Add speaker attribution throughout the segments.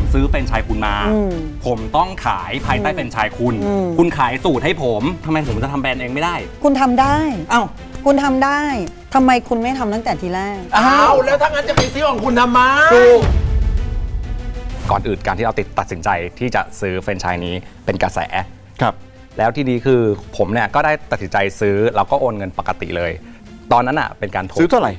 Speaker 1: ซื้อแฟรนไชส์คุณมาผมต้องขายภายใต้แฟรนไชส์คุณขายสูตรให้ผมทำไมผมจะทำแบรนด์เองไม่ได้
Speaker 2: คุณทำได้
Speaker 1: อ้าว
Speaker 2: คุณทำได้ทำไมคุณไม่ทำตั้งแต่ทีแรก
Speaker 3: อ้าวแล้วถ้างั้นจะไปซื้อของคุณทำไม
Speaker 1: ก่อนอื่นการที่เราตัดสินใจที่จะซื้อแฟรนไชส์นี้เป็นกระแส
Speaker 4: ครับ
Speaker 1: แล้วที่นี้คือผมเนี่ยก็ได้ตัดสินใจซื้อแล้วก็โอนเงินปกติเลยตอนนั้นอ่ะเป็นการ
Speaker 4: ซื้อเท่าไหร่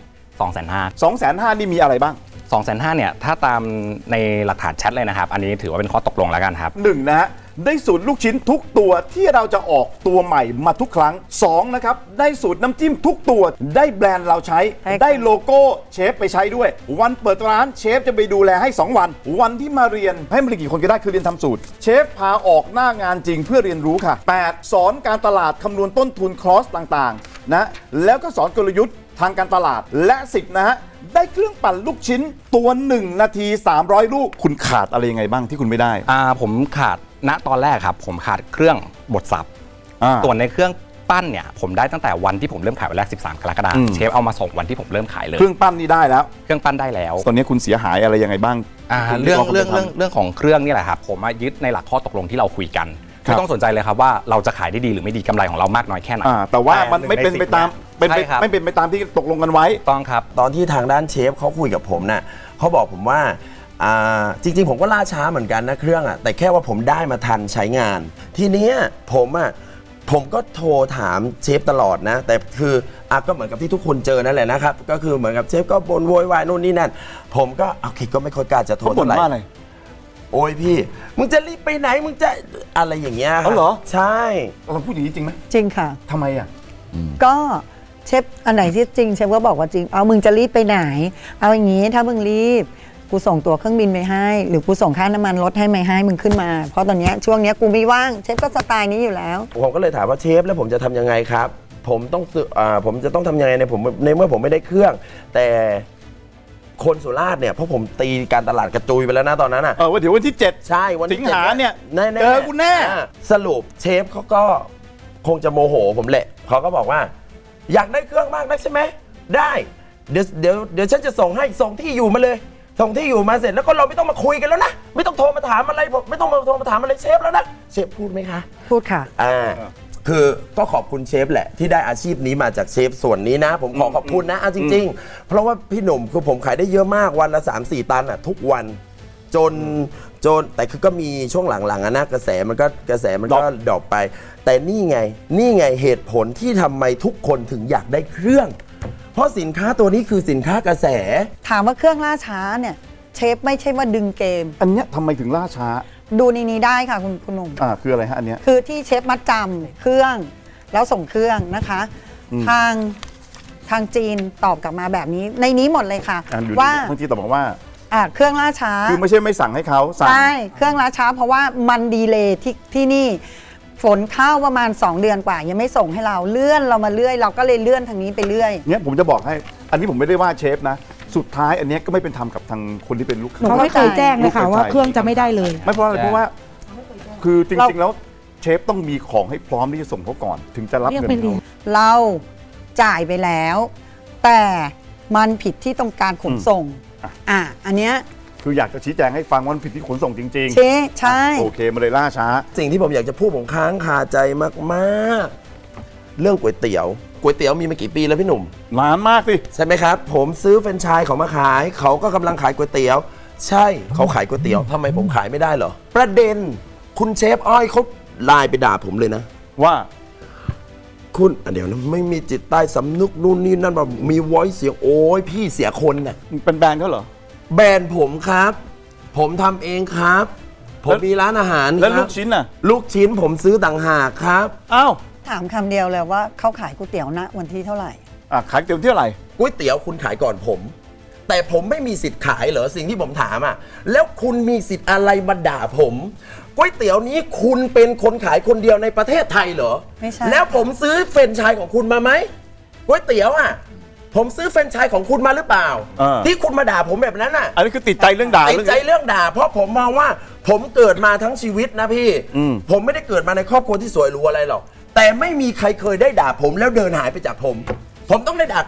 Speaker 1: 250,000
Speaker 4: นี่มีอะไรบ้าง
Speaker 1: 250,000เนี่ยถ้าตามในหลักฐานแชทเลยนะครับอันนี้ถือว่าเป็นข้อตกลงแล้วกันครับ
Speaker 4: 1นะฮะได้สูตรลูกชิ้นทุกตัวที่เราจะออกตัวใหม่มาทุกครั้ง2นะครับได้สูตรน้ำจิ้มทุกตัวได้แบรนด์เราใช้ได้โลโก้เชฟไปใช้ด้วยวันเปิดร้านเชฟจะไปดูแลให้2วันที่มาเรียนให้มาเรียนกี่คนก็ได้คือเรียนทำสูตรเชฟพาออกหน้างานจริงเพื่อเรียนรู้ค่ะ8สอนการตลาดคำนวณต้นทุนคอสต่างๆนะแล้วก็สอนกลยุทธ์ทางการตลาดและ10นะฮะได้เครื่องปั่นลูกชิ้นตัว1นาที300ลูกคุณขาดอะไรยังไงบ้างที่คุณไม่ได้
Speaker 1: ผมขาดณตอนแรกครับผมขาดเครื่องบดสับส่วนในเครื่องปั้นเนี่ยผมได้ตั้งแต่วันที่ผมเริ่มขายวันแรก13 กรกฎาคมเชฟเอามาส่งวันที่ผมเริ่มขายเลย
Speaker 4: เครื่องปั้นนี่ได้แล้ว
Speaker 1: เครื่องปั้นได้แล้ว
Speaker 4: ตอนนี้คุณเสียหายอะไรยังไงบ้าง
Speaker 1: เรื่องของเครื่องนี่แหละครับผมยึดในหลักข้อตกลงที่เราคุยกันไม่ต้องสนใจเลยครับว่าเราจะขายได้ดีหรือไม่ดีกำไรของเรามากน้อยแค่ไหน
Speaker 4: แต่ว่ามันไม่เป็นไปตามไม่เป็นไปตามที่ตกลงกันไว้
Speaker 1: ต้องครับ
Speaker 3: ตอนที่ทางด้านเชฟเขาคุยกับผมน่ะเขาบอกผมว่าจริงๆผมก็ล่าช้าเหมือนกันนะเครื่องแต่แค่ว่าผมได้มาทันใช้งานทีนี้ผมก็โทรถามเชฟตลอดนะแต่คือก็เหมือนกับที่ทุกคนเจอนั่นแหละนะครับก็คือเหมือนกับเชฟก็บ่นโวยวายนู่นนี่นั่นผมก็โอเคก็ไม่ค่อยกล้าจะโทรเท่าไหร่โอ้ยพี่มึงจะรีบไปไหนมึงจะอะไรอย่างเงี้ย
Speaker 4: เหรอ
Speaker 3: ใช่
Speaker 4: เราพูดอย่างนี้จริงไหม
Speaker 2: จริงค่ะ
Speaker 4: ทำไม
Speaker 2: ก็เชฟอันไหนที่จริงเชฟก็บอกว่าจริงเอามึงจะรีบไปไหนเอาอย่างงี้ถ้ามึงรีบกูส่งตัวเครื่องบินไปให้หรือกูส่งค่าน้ำมันรถให้ไม่ให้มึงขึ้นมาเพราะตอนนี้ช่วงนี้กูไม่ว่างเชฟก็สไตล์นี้อยู่แล้ว
Speaker 3: ผมก็เลยถามว่าเชฟแล้วผมจะทำยังไงครับผมจะต้องทำยังไงในเมื่อผมไม่ได้เครื่องแต่คนสุราษฎร์เนี่ยเพราะผมตีการตลาดกระจุยไปแล้วนะตอนนั้น
Speaker 4: ว่าเดี๋ยววันที่7
Speaker 3: ใช่วัน
Speaker 4: สิงหาเนี่ย
Speaker 3: เจอ
Speaker 4: กูแน่
Speaker 3: สรุปเชฟเขาก็คงจะโมโหผมแหละเขาก็บอกว่าอยากได้เครื่องมากนักใช่ไหมได้เดี๋ยวฉันจะส่งให้ส่งที่อยู่มาเลยส่งที่อยู่มาเสร็จแล้วก็เราไม่ต้องมาคุยกันแล้วนะไม่ต้องโทรมาถามอะไรผมไม่ต้องมาโทรมาถามอะไรเชฟแล้วนะเชฟพูดไหมคะ
Speaker 2: พูดค่ะ
Speaker 3: คือก็ขอบคุณเชฟแหละที่ได้อาชีพนี้มาจากเชฟส่วนนี้นะผมขอบคุณนะจริงๆเพราะว่าพี่หนุ่มคือผมขายได้เยอะมากวันละ 3-4 ตันทุกวันจนแต่คือก็มีช่วงหลังๆนะกระแสมันก็ดรอปไปแต่นี่ไงเหตุผลที่ทำไมทุกคนถึงอยากได้เครื่องเพราะสินค้าตัวนี้คือสินค้ากระแส
Speaker 2: ถามว่าเครื่องล่าช้าเนี่ยเชฟไม่ใช่ว่าดึงเกม
Speaker 4: อันเนี้ยทำไมถึงล่าช้า
Speaker 2: ดูในนี้ได้ค่ะคุณหนุ่ม
Speaker 4: คืออะไรฮะอันเนี้ย
Speaker 2: คือที่เชฟมัดจำเครื่องแล้วส่งเครื่องนะคะทางจีนตอบกลับมาแบบนี้ในนี้หมดเลยค่ะว่า
Speaker 4: ทางจีนตอบว่า
Speaker 2: เครื่องล่าช้า
Speaker 4: คือไม่ใช่ไม่สั่งให้เขา
Speaker 2: ใช่เครื่องล่าช้าเพราะว่ามันดีเลย์ที่นี่ฝนเข้าประมาณ2 เดือนกว่ายังไม่ส่งให้เราเลื่อนเรามาเรื่อยเราก็เลยเลื่อนทางนี้ไปเรื่อย
Speaker 4: เนี่ยผมจะบอกให้อันนี้ผมไม่ได้ว่าเชฟนะสุดท้ายอันนี้ก็ไม่เป็นธรรมกับทางคนที่เป็นลูกค้า
Speaker 5: เขาไม่เคยแจ้งเลยค่ะว่าเครื่องจะไม่ได้เลย
Speaker 4: ไม่เพราะอะไรเพราะว่าคือจริงๆแล้วเชฟต้องมีของให้พร้อมที่จะส่งเขาก่อนถึงจะรับเงิน
Speaker 2: เราจ่ายไปแล้วแต่มันผิดที่ต้องการขนส่งอันเนี้ย
Speaker 4: คืออยากจะชี้แจงให้ฟังว่าผิดที่ขนส่งจริง
Speaker 2: ๆใช่
Speaker 4: โอเคมาเลยล่าช้า
Speaker 3: สิ่งที่ผมอยากจะพูดผมค้างคาใจมากๆเรื่องก๋วยเตี๋ยวมีมากี่ปีแล้วพี่หนุ่ม
Speaker 4: นานมากสิ
Speaker 3: ใช่ไหมครับผมซื้อแฟรนไชส์เขามาขายเขาก็กำลังขายก๋วยเตี๋ยวใช่เขาขายก๋วยเตี๋ยวทำไมผมขายไม่ได้เหรอประเด็นคุณเชฟอ้อยเขาไลน์ไปด่าผมเลยนะ
Speaker 4: ว่า
Speaker 3: คุณเดี๋ยวนะไม่มีจิตใต้สำนึกนู่นนี่นั่นแบบมีวอยซ์เสียงโอ้ยพี่เสียคนน่ะ
Speaker 4: เป็นแบรนด์เขาเหรอ
Speaker 3: แบรนด์ผมครับผมทำเองครับผมมีร้านอาหาร
Speaker 4: แล้วลูกชิ้นน่ะ
Speaker 3: ลูกชิ้นผมซื้อต่างหากครับ
Speaker 4: อ้าว
Speaker 2: ถามคำเดียวเลยว่าเขาขายก๋วยเตี๋ยวณวันที่เท่าไหร่
Speaker 4: ขายก๋วยเตี๋ยวเท่าไหร่
Speaker 3: ก๋วยเตี๋ยวคุณขายก่อนผมแต่ผมไม่มีสิทธิ์ขายเหรอสิ่งที่ผมถามแล้วคุณมีสิทธิ์อะไรมาด่าผมก๋วยเตี๋ยวนี้คุณเป็นคนขายคนเดียวในประเทศไทยเหรอ
Speaker 2: ไม่ใช่
Speaker 3: แล้วผมซื้อแฟรนไชส์ของคุณมาไหมก๋วยเตี๋ยวผมซื้อแฟรนไชส์ของคุณมาหรือเปล่าที่คุณมาด่าผมแบบนั้น
Speaker 4: อันนี้คือติดใจเรื่องด่า
Speaker 3: ติดใจเรื่องด่าเพราะผมมองว่าผมเกิดมาทั้งชีวิตนะพี่ผมไม่ได้เกิดมาในครอบครัวที่สวยหรูอะไรหรอกแต่ไม่มีใครเคยได้ด่าผมแล้วเดินหายไปจากผมต้องได้ด่ากลับ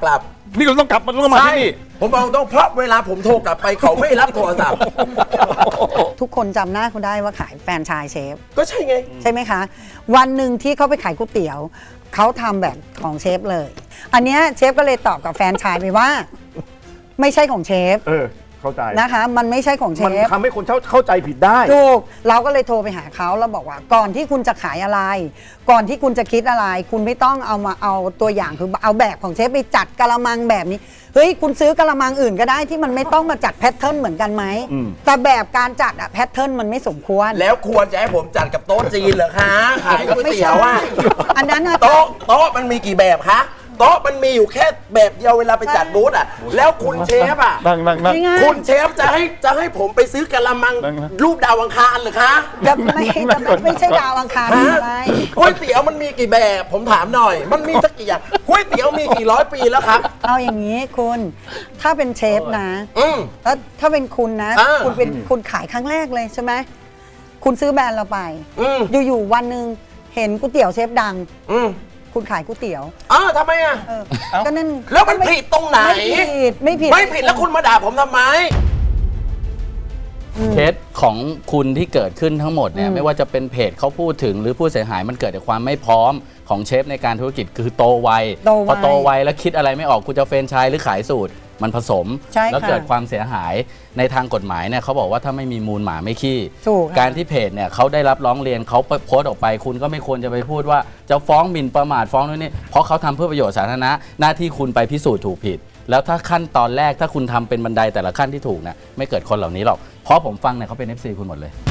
Speaker 4: นี่เราต้องกลับมาที่นี่
Speaker 3: ผมบอกตรงเพราะเวลาผมโทรกลับไปเขาไม่รับโทรศัพท์
Speaker 2: ทุกคนจำหน้าเขาได้ว่าขายแฟรนไชส์เชฟ
Speaker 3: ก็ใช่ไง
Speaker 2: ใช่ไหมคะ วันหนึ่งที่เขาไปขายก๋วยเตี๋ยวเขาทำแบบของเชฟเลย อันเนี้ยเชฟก็เลยตอบกับแฟรนไชส์ไปว่า ไม่ใช่ของเชฟ
Speaker 4: เข้าใจ
Speaker 2: นะคะ มันไม่ใช่ของเช
Speaker 4: มัน
Speaker 2: ฟ
Speaker 4: ทำให้คนเข้าใจผิดได้
Speaker 2: ถูกเราก็เลยโทรไปหาเขาแล้วบอกว่าก่อนที่คุณจะขายอะไร ก่อนที่คุณจะคิดอะไร คุณไม่ต้องเอาตัวอย่างคือเอาแบบของเชฟไปจัดกะละมังแบบนี้เฮ้ยคุณซื้อกะละมังอื่นก็ได้ที่มันไม่ต้องมาจัดแพทเทิร์นเหมือนกันไหมแต่แบบการจัดอะแพทเทิร์นมันไม่สมควร
Speaker 3: แล้วควรจะให้ผมจัดกับโต๊ะจีนเหรอคะขายก๋วยเตี๋ยวอ่ะ
Speaker 2: อันนั้นน่ะ
Speaker 3: โต๊ะมันมีกี่แบบคะโต๊ะมันมีอยู่แค่แบบเดียวเวลาไปจัดบูธอ่ะแล้วคุณเชฟอ่ะ
Speaker 4: นั่ง
Speaker 2: ง่ายๆ
Speaker 3: คุณเชฟจะให้ผมไปซื้อกะละมัง
Speaker 4: นั่งนะ
Speaker 3: รูปดาวอังคารเหรือคะ
Speaker 2: จะไม่ใช่ดาวอังคาร
Speaker 3: ฮะ
Speaker 2: อะไร
Speaker 3: ก๋วยเตี๋ยวมันมีกี่แบบผมถามหน่อย มันมีสักกี่อย่างก๋วยเตี๋ยวมีกี่ร้อยปีแล้วครับ
Speaker 2: เอาอย่างนี้คุณถ้าเป็นเชฟนะ
Speaker 3: อืม
Speaker 2: แล้วถ้าเป็นคุณนะ
Speaker 3: อ่า
Speaker 2: คุณขายครั้งแรกเลยใช่ไหมคุณซื้อแบรนด์เราไป
Speaker 3: อืม
Speaker 2: อยู่ๆวันหนึ่งเห็นก๋วยเตี๋ยวเชฟดัง
Speaker 3: อืม
Speaker 2: คุณขายก๋วยเตี๋ยว
Speaker 3: ทำไมอ่ะ
Speaker 2: ก็นั่น
Speaker 3: แล้วมันผิดตรงไหน
Speaker 2: ไม่ผิด
Speaker 3: ไม่ผิดแล้วคุณมาด่าผมทำไม
Speaker 6: เคสของคุณที่เกิดขึ้นทั้งหมดเนี่ยไม่ว่าจะเป็นเพจเขาพูดถึงหรือผู้เสียหายมันเกิดจากความไม่พร้อมของเชฟในการธุรกิจคือโตไว
Speaker 2: โตไว
Speaker 6: พอโตไวแล้วคิดอะไรไม่ออกคุณจะเฟรนไชส์หรือขายสูตรมันผสม
Speaker 2: ใช่ค่ะ
Speaker 6: แล้วเกิดความเสียหายในทางกฎหมายเนี่ยเขาบอกว่าถ้าไม่มีมูลหมาไม่ขี้
Speaker 2: ถูกค่ะ
Speaker 6: การที่เพจเนี่ยเขาได้รับร้องเรียนเขาโพสต์ออกไป คุณก็ไม่ควรจะไปพูดว่าจะฟ้องหมิ่นประมาทฟ้องนู่นนี่เพราะเขาทำเพื่อประโยชน์สาธารณะหน้าที่คุณไปพิสูจน์ถูกผิด แล้วถ้าขั้นตอนแรกถ้าคุณทำเป็นบันไดแต่ละขั้นที่ถูกเนี่ยไม่เกิดคนเหล่านี้หรอกเพราะผมฟังเนี่ยเขาเป็น FC คุณหมดเลย